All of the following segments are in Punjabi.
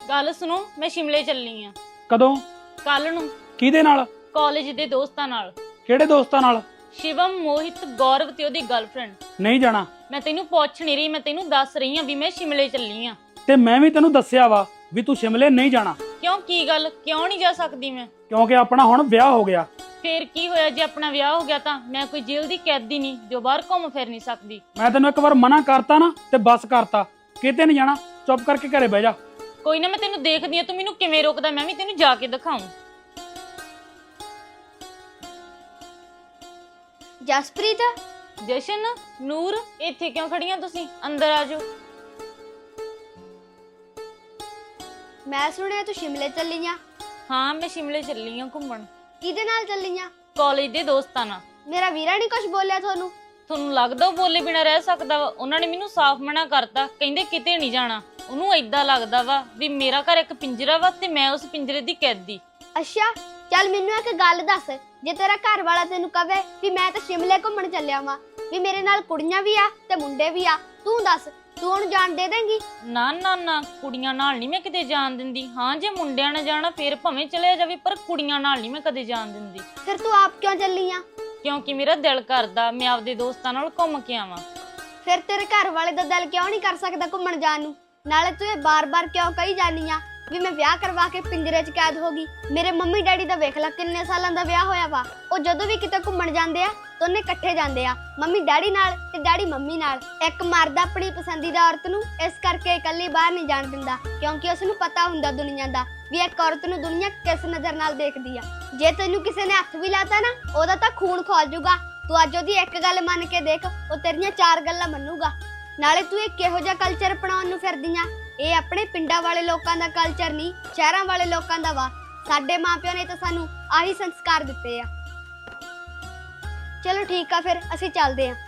ਗੱਲ ਸੁਣੋ, ਮੈਂ ਸ਼ਿਮਲੇ ਚੱਲੀ ਆ। ਕਦੋਂ? ਕੱਲ ਨੂੰ। ਕਿਹਦੇ ਨਾਲ? ਕਾਲਜ ਦੇ ਦੋਸਤਾਂ ਨਾਲ। ਕਿਹੜੇ ਦੋਸਤਾਂ ਨਾਲ? ਸ਼ਿਵਮ, ਮੋਹਿਤ, ਗੌਰਵ ਤੇ ਉਹਦੀ ਗਰਲਫ੍ਰੈਂਡ। ਨਹੀਂ ਜਾਣਾ। ਮੈਂ ਤੈਨੂੰ ਪੁੱਛ ਨਹੀਂ ਰਹੀ, ਮੈਂ ਤੈਨੂੰ ਦੱਸ ਰਹੀ ਆ ਵੀ ਮੈਂ ਸ਼ਿਮਲੇ ਚੱਲੀ ਆ। ਤੇ ਮੈਂ ਵੀ ਤੈਨੂੰ ਦੱਸਿਆ ਵਾ ਵੀ ਤੂੰ ਸ਼ਿਮਲੇ ਨਹੀਂ ਜਾਣਾ। ਕਿਉਂ, ਕੀ ਗੱਲ, ਕਿਉਂ ਨਹੀਂ ਜਾ ਸਕਦੀ ਮੈਂ? ਕਿਉਂਕਿ ਆਪਣਾ ਹੁਣ ਵਿਆਹ ਹੋ ਗਿਆ। ਫੇਰ ਕੀ ਹੋਇਆ ਜੇ ਆਪਣਾ ਵਿਆਹ ਹੋ ਗਿਆ ਤਾਂ? ਮੈਂ ਕੋਈ ਜੇਲ੍ਹ ਦੀ ਕੈਦੀ ਨਹੀਂ ਜੋ ਬਾਹਰ ਘੁੰਮ ਫਿਰ ਨਹੀਂ ਸਕਦੀ। ਮੈਂ ਤੈਨੂੰ ਇੱਕ ਵਾਰ ਮਨਾ ਕਰਤਾ ਨਾ ਤੇ ਬਸ ਕਰਤਾ, ਕਿਤੇ ਨਹੀਂ ਜਾਣਾ, ਚੁੱਪ ਕਰਕੇ ਘਰੇ ਬਹਿ ਜਾ। ਕੋਈ ਨਾ, ਮੈਂ ਤੈਨੂੰ ਦੇਖਦੀ ਆ ਤੂੰ ਮੈਨੂੰ ਕਿਵੇਂ ਰੋਕਦਾ, ਮੈਂ ਵੀ ਤੈਨੂੰ ਜਾ ਕੇ ਦਿਖਾਉਂ। ਜਸਪ੍ਰੀਤ, ਜਸ਼ਨ, ਨੂਰ, ਇੱਥੇ ਕਿਉਂ ਖੜੀਆਂ ਤੁਸੀਂ? ਅੰਦਰ ਆ ਜਾਓ। ਮੈਂ ਸੁਣਿਆ ਤੂੰ ਸ਼ਿਮਲੇ ਚੱਲੀ ਆ। ਹਾਂ, ਮੈਂ ਸ਼ਿਮਲੇ ਚੱਲੀ ਆ ਘੁੰਮਣ। ਕਿਹਦੇ ਨਾਲ ਚੱਲੀ ਆ? ਕਾਲਜ ਦੇ ਦੋਸਤਾਂ ਨਾਲ। ਮੇਰਾ ਵੀਰਾ ਨਹੀਂ ਕੁਝ ਬੋਲਿਆ ਤੁਹਾਨੂੰ? ਤੁਹਾਨੂੰ ਲੱਗਦਾ ਉਹ ਬੋਲੇ ਬਿਨਾ ਰਹਿ ਸਕਦਾ ਵਾ? ਉਹਨਾਂ ਨੇ ਮੈਨੂੰ ਸਾਫ਼ ਮਨਾ ਕਰਤਾ, ਕਹਿੰਦੇ ਕਿਤੇ ਨਹੀਂ ਜਾਣਾ। ਉਹਨੂੰ ਏਦਾਂ ਲੱਗਦਾ ਵਾ ਵੀ ਮੇਰਾ ਘਰ ਇੱਕ ਪਿੰਜਰਾ ਵਾ ਤੇ ਮੈਂ ਉਸ ਪਿੰਜਰੇ ਦੀ ਕੈਦੀ। ਅੱਛਾ, ਚੱਲ ਮੈਨੂੰ ਇੱਕ ਗੱਲ ਦੱਸ, ਜੇ ਤੇਰਾ ਘਰ ਵਾਲਾ ਤੈਨੂੰ ਕਵੇ ਵੀ ਮੈਂ ਤਾਂ ਸ਼ਿਮਲੇ ਘੁੰਮਣ ਚੱਲਿਆ ਵਾਂ, ਵੀ ਮੇਰੇ ਨਾਲ ਕੁੜੀਆਂ ਵੀ ਆ ਤੇ ਮੁੰਡੇ ਵੀ ਆ, ਤੂੰ ਦੱਸ, ਤੂੰ ਉਹਨੂੰ ਜਾਣ ਦੇ ਦੇਂਗੀ? ਨਾ ਨਾ ਨਾ, ਕੁੜੀਆਂ ਨਾਲ ਨਹੀਂ ਮੈਂ ਕਿਤੇ ਜਾਣ ਦਿੰਦੀ। ਹਾਂ, ਜੇ ਮੁੰਡਿਆਂ ਨਾਲ ਜਾਣਾ ਫੇਰ ਭਾਵੇਂ ਚਲੇ ਜਾਵੇ, ਪਰ ਕੁੜੀਆਂ ਨਾਲ ਨਹੀਂ ਮੈਂ ਕਦੇ ਜਾਣ ਦਿੰਦੀ। ਫਿਰ ਤੂੰ ਆਪ ਕਿਉਂ ਚੱਲੀ ਆ? ਕਿਉਂਕਿ ਮੇਰਾ ਦਿਲ ਕਰਦਾ ਮੈਂ ਆਪਦੇ ਦੋਸਤਾਂ ਨਾਲ ਘੁੰਮ ਕੇ ਆਵਾਂ। ਫਿਰ ਤੇਰੇ ਘਰ ਵਾਲੇ ਦਾ ਦਿਲ ਕਿਉਂ ਨਹੀਂ ਕਰ ਸਕਦਾ ਘੁੰਮਣ ਜਾਣ ਨੂੰ? ਨਾਲੇ ਤੂੰ ਇਹ ਬਾਰ-ਬਾਰ ਕਿਉਂ ਕਹੀ ਜਾਨੀ ਆ ਵੀ ਮੈਂ ਵਿਆਹ ਕਰਵਾ ਕੇ ਪਿੰਜਰੇ 'ਚ ਕੈਦ ਹੋ ਗਈ? ਮੇਰੇ ਮੰਮੀ ਡੈਡੀ ਦਾ ਵੇਖ ਲੈ ਕਿੰਨੇ ਸਾਲਾਂ ਦਾ ਵਿਆਹ ਹੋਇਆ ਵਾ। ਉਹ ਜਦੋਂ ਵੀ ਕਿਤੇ ਘੁੰਮਣ ਜਾਂਦੇ ਆ ਦੋਨੇ ਇਕੱਠੇ ਜਾਂਦੇ ਆ, ਮੰਮੀ ਡੈਡੀ ਨਾਲ ਤੇ ਡੈਡੀ ਮੰਮੀ ਨਾਲ। ਇੱਕ ਮਰਦ ਆਪਣੀ ਪਸੰਦੀਦਾ ਔਰਤ ਨੂੰ ਇਸ ਕਰਕੇ ਇਕੱਲੀ ਬਾਹਰ ਨਹੀਂ ਜਾਣ ਦਿੰਦਾ, ਕਿਉਂਕਿ ਉਸ ਨੂੰ ਪਤਾ ਹੁੰਦਾ ਦੁਨੀਆ ਦਾ ਵੀ ਇੱਕ ਔਰਤ ਨੂੰ ਦੁਨੀਆ ਕਿਸ ਨਜ਼ਰ ਨਾਲ ਦੇਖਦੀ ਆ। ਜੇ ਤੈਨੂੰ ਕਿਸੇ ਨੇ ਹੱਥ ਵੀ ਲਾਤਾ ਨਾ, ਉਹਦਾ ਤਾਂ ਖੂਨ ਖੋਲ ਜਾਊਗਾ। ਤੂੰ ਅੱਜ ਉਹਦੀ ਇੱਕ ਗੱਲ ਮੰਨ ਕੇ ਦੇਖ, ਉਹ ਤੇਰੀਆਂ 4 ਗੱਲਾਂ ਮੰਨੂਗਾ। ਨਾਲੇ ਤੂੰ ਇਹ ਕਿਹੋ ਜਿਹਾ ਕਲਚਰ ਅਪਣਾਉਣ ਨੂੰ ਫਿਰਦੀ ਆ? ਇਹ ਆਪਣੇ ਪਿੰਡਾਂ ਵਾਲੇ ਲੋਕਾਂ ਦਾ ਕਲਚਰ ਨਹੀਂ, ਸ਼ਹਿਰਾਂ ਵਾਲੇ ਲੋਕਾਂ ਦਾ ਵਾ। ਸਾਡੇ ਮਾਪਿਆਂ ਨੇ ਤਾਂ ਸਾਨੂੰ ਆਹੀ ਸੰਸਕਾਰ ਦਿੱਤੇ ਆ। ਚਲੋ ਠੀਕ ਆ, ਫਿਰ ਅਸੀਂ ਚੱਲਦੇ ਆ।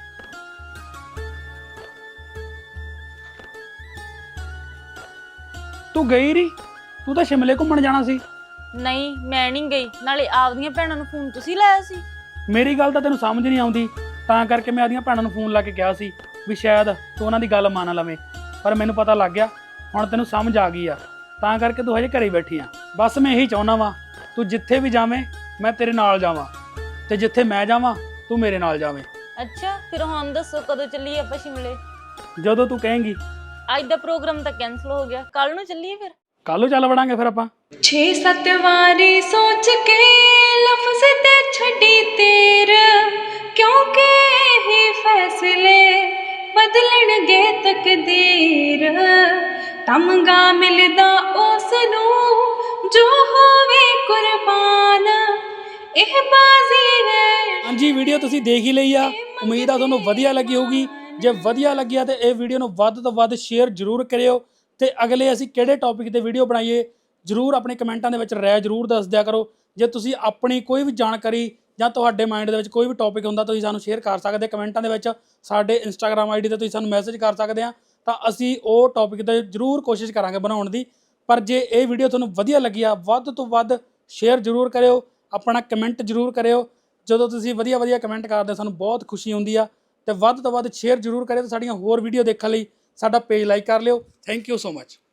ਤੂੰ ਗਈ ਨਹੀਂ? ਤੂੰ ਤਾਂ ਸ਼ਿਮਲੇ ਘੁੰਮਣ ਜਾਣਾ ਸੀ। ਨਹੀਂ, ਮੈਂ ਨਹੀਂ ਗਈ। ਨਾਲੇ ਆਪਦੀਆਂ ਭੈਣਾਂ ਨੂੰ ਫੋਨ ਤੁਸੀਂ ਲਾਇਆ ਸੀ? ਮੇਰੀ ਗੱਲ ਤਾਂ ਤੈਨੂੰ ਸਮਝ ਨਹੀਂ ਆਉਂਦੀ, ਤਾਂ ਕਰਕੇ ਮੈਂ ਆਪਦੀਆਂ ਭੈਣਾਂ ਨੂੰ ਫੋਨ ਲਾ ਕੇ ਕਿਹਾ ਸੀ ਵੀ ਸ਼ਾਇਦ ਤੂੰ ਉਹਨਾਂ ਦੀ ਗੱਲ ਮੰਨ ਲਵੇਂ, ਪਰ ਮੈਨੂੰ ਪਤਾ ਲੱਗ ਗਿਆ ਹੁਣ ਤੈਨੂੰ ਸਮਝ ਆ ਗਈ ਆ, ਤਾਂ ਕਰਕੇ ਤੂੰ ਹਜੇ ਘਰੇ ਬੈਠੀ ਆ। ਬਸ ਮੈਂ ਇਹੀ ਚਾਹੁੰਦਾ ਵਾਂ, ਤੂੰ ਜਿੱਥੇ ਵੀ ਜਾਵੇਂ ਮੈਂ ਤੇਰੇ ਨਾਲ ਜਾਵਾਂ, ਤੇ ਜਿੱਥੇ ਮੈਂ ਜਾਵਾਂ ਤੂੰ ਮੇਰੇ ਨਾਲ ਜਾਵੇਂ। ਅੱਛਾ, ਫਿਰ ਹੁਣ ਦੱਸੋ ਕਦੋਂ ਚੱਲੀਏ ਆਪਾਂ ਸ਼ਿਮਲੇ? ਜਦੋਂ ਤੂੰ ਕਹੇਂਗੀ। ਅੱਜ ਦਾ ਪ੍ਰੋਗਰਾਮ ਤਾਂ ਕੈਨਸਲ ਹੋ ਗਿਆ, ਕੱਲ ਨੂੰ ਚੱਲੀਏ ਫਿਰ। ਕੱਲ ਨੂੰ ਚੱਲ ਵੜਾਂਗੇ ਫਿਰ ਆਪਾਂ। 6-7 ਵਾਰੀ ਸੋਚ ਕੇ ਲਫ਼ਜ਼ ਤੇ ਛੱਡੀ ਤੀਰ, ਕਿਉਂਕਿ ਇਹ ਫੈਸਲੇ ਬਦਲਣਗੇ ਤਕਦੀਰ। ਤਮਗਾ ਮਿਲਦਾ ਉਸ ਨੂੰ ਜੋ ਹੋਵੇ ਕੁਰਬਾਨ, ਇਹ ਬਾਜ਼ੀ ਹੈ। ਹਾਂਜੀ, ਵੀਡੀਓ ਤੁਸੀਂ ਦੇਖ ਹੀ ਲਈ ਆ, ਉਮੀਦ ਆ ਤੁਹਾਨੂੰ ਵਧੀਆ ਲੱਗੀ ਹੋਊਗੀ। ਜੇ ਵਧੀਆ ਲੱਗਿਆ ਤੇ ਇਹ ਵੀਡੀਓ ਨੂੰ ਵੱਧ ਤੋਂ ਵੱਧ ਸ਼ੇਅਰ ਜ਼ਰੂਰ ਕਰਿਓ, ਤੇ ਅਗਲੇ ਅਸੀਂ ਕਿਹੜੇ ਟੌਪਿਕ ਤੇ ਵੀਡੀਓ ਬਣਾਈਏ ਜ਼ਰੂਰ ਆਪਣੇ ਕਮੈਂਟਾਂ ਦੇ ਵਿੱਚ ਰਾਏ ਜ਼ਰੂਰ ਦੱਸ ਦਿਆ ਕਰੋ। ਜੇ ਤੁਸੀਂ ਆਪਣੀ ਕੋਈ ਵੀ ਜਾਣਕਾਰੀ ਜਾਂ ਤੁਹਾਡੇ ਮਾਈਂਡ ਦੇ ਵਿੱਚ ਕੋਈ ਵੀ ਟੌਪਿਕ ਹੁੰਦਾ ਤੁਸੀਂ ਸਾਨੂੰ ਸ਼ੇਅਰ ਕਰ ਸਕਦੇ ਕਮੈਂਟਾਂ ਦੇ ਵਿੱਚ। ਸਾਡੇ ਇੰਸਟਾਗ੍ਰਾਮ ਆਈਡੀ ਤੇ ਤੁਸੀਂ ਸਾਨੂੰ ਮੈਸੇਜ ਕਰ ਸਕਦੇ ਆ, ਤਾਂ ਅਸੀਂ ਉਹ ਟੌਪਿਕ ਤੇ ਜ਼ਰੂਰ ਕੋਸ਼ਿਸ਼ ਕਰਾਂਗੇ ਬਣਾਉਣ ਦੀ। ਪਰ ਜੇ ਇਹ ਵੀਡੀਓ ਤੁਹਾਨੂੰ ਵਧੀਆ ਲੱਗੀ ਆ, ਵੱਧ ਤੋਂ ਵੱਧ ਸ਼ੇਅਰ ਜ਼ਰੂਰ ਕਰਿਓ, ਆਪਣਾ ਕਮੈਂਟ ਜ਼ਰੂਰ ਕਰਿਓ। ਜਦੋਂ ਤੁਸੀਂ ਵਧੀਆ ਕਮੈਂਟ ਕਰਦੇ ਸਾਨੂੰ ਬਹੁਤ ਖੁਸ਼ੀ ਹੁੰਦੀ ਆ, ਤੇ ਵੱਧ ਤੋਂ ਵੱਧ ਸ਼ੇਅਰ ਜ਼ਰੂਰ ਕਰਿਓ। ਤੇ ਸਾਡੀਆਂ ਹੋਰ ਵੀਡੀਓ ਦੇਖਣ ਲਈ ਸਾਡਾ ਪੇਜ ਲਾਈਕ ਕਰ ਲਿਓ। Thank you so much.